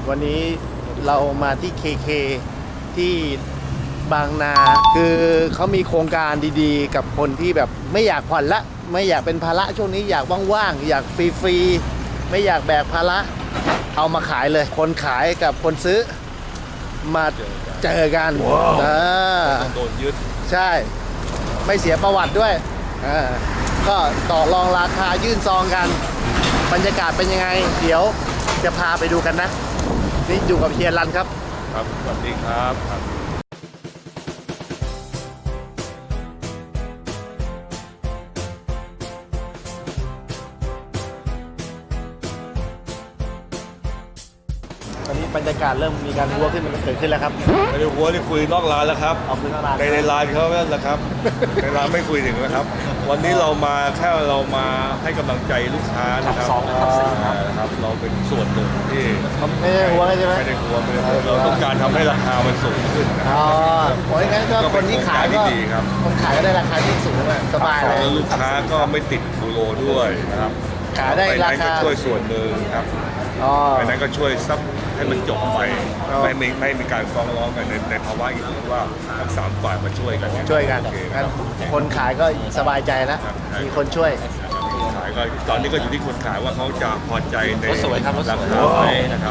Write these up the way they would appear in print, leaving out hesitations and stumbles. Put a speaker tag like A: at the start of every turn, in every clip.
A: วันนี้เรามาที่ KK ที่บางนาคือเขามีโครงการดีๆ กับคนที่แบบไม่อยากผ่อนละไม่อยากเป็นภาระช่วงนี้อยากว่างๆอยากฟรีๆไม่อยากแบกภาระเอามาขายเลยคนขายกับคนซื้อมาเจอกัน
B: โดนยึด
A: ใช่ไม่เสียประวัติด้วยก็ต่อรองราคายื่นซองกันบรรยากาศเป็นยังไงเดี๋ยวจะพาไปดูกันนะนี่อยู่กับเฮียรันครับ
B: ครับสวัสดีครับ
A: ตอนนี้บรรยากาศเริ่มมีการวัวขึ้นมันเกิดขึ้นแล้วครับ
B: ไม่ได้หัวที่คุยนอกร้านแล้วครับ
A: เอาคุยนอกร้าน
B: ในร้านเขาแล้วละครับในร้านไม่คุยถึงนะครับวันนี้เรามาแค่เรามาให้กำลังใจลูกค้านะครับนะครับเราเป็นส่วนหนึ่งที่
A: ไม่ได้หัวใช่ไหม
B: ไม่ได้หัวเราต้องการทำให้ราคามันสูงขึ้น
A: อ๋อเพราะงั้นก็คนที่ขายก็คนขายก็ได้ราคาที่สูงสบายเลย
B: ลูกค้าก็ไม่ติดบูโรด้วยนะครับ
A: ขายได้ราคา
B: ช่วยส่วนหนึ่งครับไปนั้นก็ช่วยซับให้มันจบไปไม่มีการฟ้องร้องกันในภาวะอีกว่าทั้งสามฝ่ายมาช่วยกัน
A: คนขายก็สบายใจแล้วมีคนช่วย
B: ขายก็ตอนนี้ก็อยู่ที่คนขายว่าเขาจะพอใจในราคาไหมนะครับ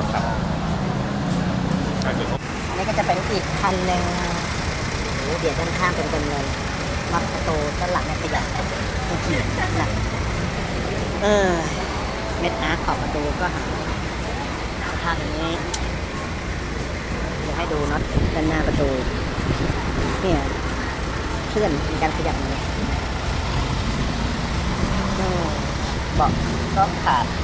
C: อันนี้ก็จะเป็นอีกคันหนึ่งเบียดด้านข้างเป็นเลยล็อกประตูด้านหลังเนี่ยขยับหนักเม็ดอาร์ขอบประตูก็หาสภาพอย่างนี้เดี๋ยวให้ดูน็อตด้านหน้าประตูเนี่ยเคลื่อนมีการขยับเลยเบาะก็ขาด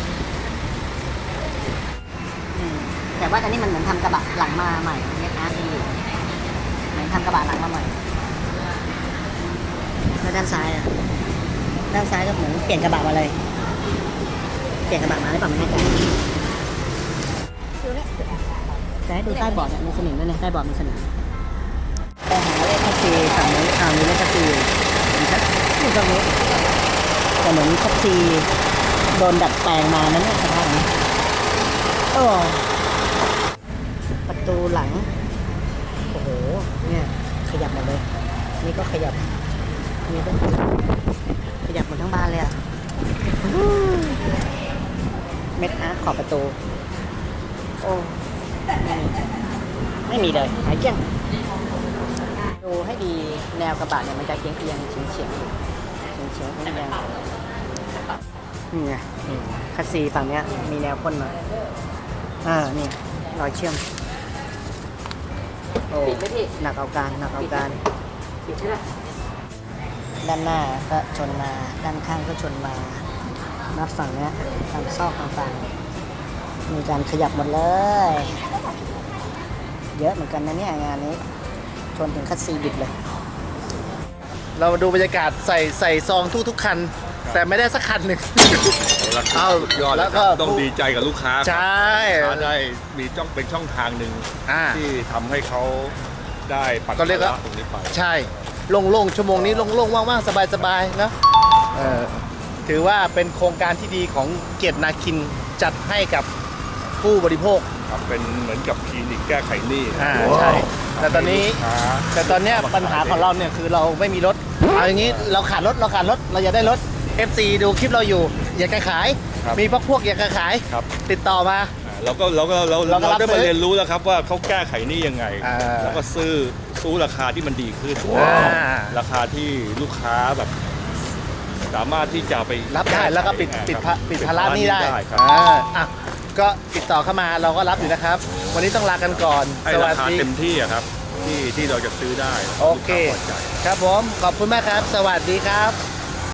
C: แต่ว่าตอนนี้มันเหมือนทำกระบะหลังมาใหม่เม็ดอาร์ดีเหมือนทำกระบะหลังมาใหม่แล้วด้านซ้ายด้านซ้ายก็เหมือนเปลี่ยนกระบะมาเลยเปลี่ยนกระบะมาได้ป่ะไม่แน่ใจแต่ให้ดูใต้เบาะเนี่ยมีสนิมด้วยเนี่ยใต้เบาะมีสนิมแต่หาเลขแท็กซี่ฝั่งนี้มีเลขแท็กซี่อยู่ตรงนี้แต่เหมือนแท็กซี่โดนดัดแปลงมานั่นเนี่ยสภาพนี้ประตูหลังโอ้โหเนี่ยขยับหมดเลยนี่ก็ขยับนี่ก็ขยับหมดทั้งบานเลยเม็ดอาร์ขอบประตูโอ้ไม่มีเลยหายเกลี้ยงดูให้ดีแนวกระบะเนี่ยมันจะเฉียงเฉียงทั้งแนวนี่ไงคัสซีฝั่งเนี้ยมีแนวพ่นมานี่รอยเชื่อมโอ้หนักเอาการด้านหน้าก็ชนมาด้านข้างก็ชนมานับฝั่งเนี้ยตามซอกต่างๆมีการขยับหมดเลยเยอะเหมือนกันนะเนี่ยงานนี้ชนถึงคัสซีบิดเลย
A: เรามาดูบรรยากาศใส่ซองทุกคันแต่ไม่ได้สักคันหนึ่ง
B: เอายอดแล้วก็ต้องดีใจกับลูกค้า
A: ใช่
B: ได้มีเป็นช่องทางหนึ่งที่ทำให้เขาได้ปัด
A: ก็เรียกว่า
B: ตรงนี้ไป
A: ใช่โล่งๆชั่วโมงนี้โล่งๆว่างๆสบายๆนะถือว่าเป็นโครงการที่ดีของเกียรตินาคินจัดให้กับผู้บริโภค
B: เป็นเหมือนกับคลินิกแก้ไขหนี้
A: ใช่แต่ตอนนี้ปัญหาของเราเนี่ยคือเราไม่มีรถเอาอย่างนี้เราขาดรถเราอยากได้รถ FC ดูคลิปเราอยู่อยากจะขายมีพวกอยากจะขายติดต่อมา
B: เราได้มาเรียนรู้แล้วครับว่าเขาแก้ไขหนี้ยังไงแล้วก็ซื้อราคาที่มันดีขึ้นราคาที่ลูกค้าแบบสามารถที่จะไป
A: รับได้แล้วก็ปิดภาระหนี้ได้ก็ติดต่อเข้ามาเราก็รับอยู่นะครับวันนี้ต้องลากันก่อน
B: สวัสดีเต็มที่ครับที่เราจะซื้อได้
A: โอเคครับผมขอบคุณมากครับสวัสดีครับ